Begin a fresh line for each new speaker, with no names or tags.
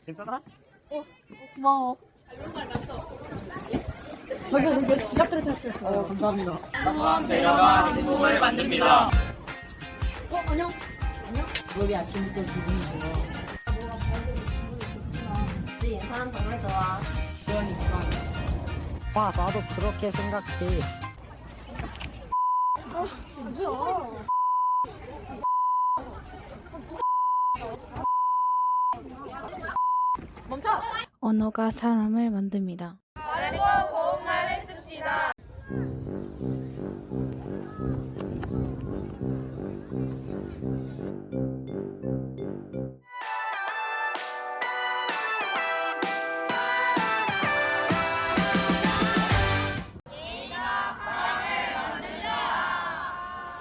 괜찮아?
고마워. 저기가 되게 지갑들을 탈출했어.
감사합니다.
소소한 배려가 행복을 만듭니다.
안녕.
여기 아침부터 기분이 좋아.
네, 사람 정말 좋아.
그러니까. 와, 나도 그렇게 생각해.
멈춰.
언어가 사람을 만듭니다.
바르고 고운 말을 씁시다.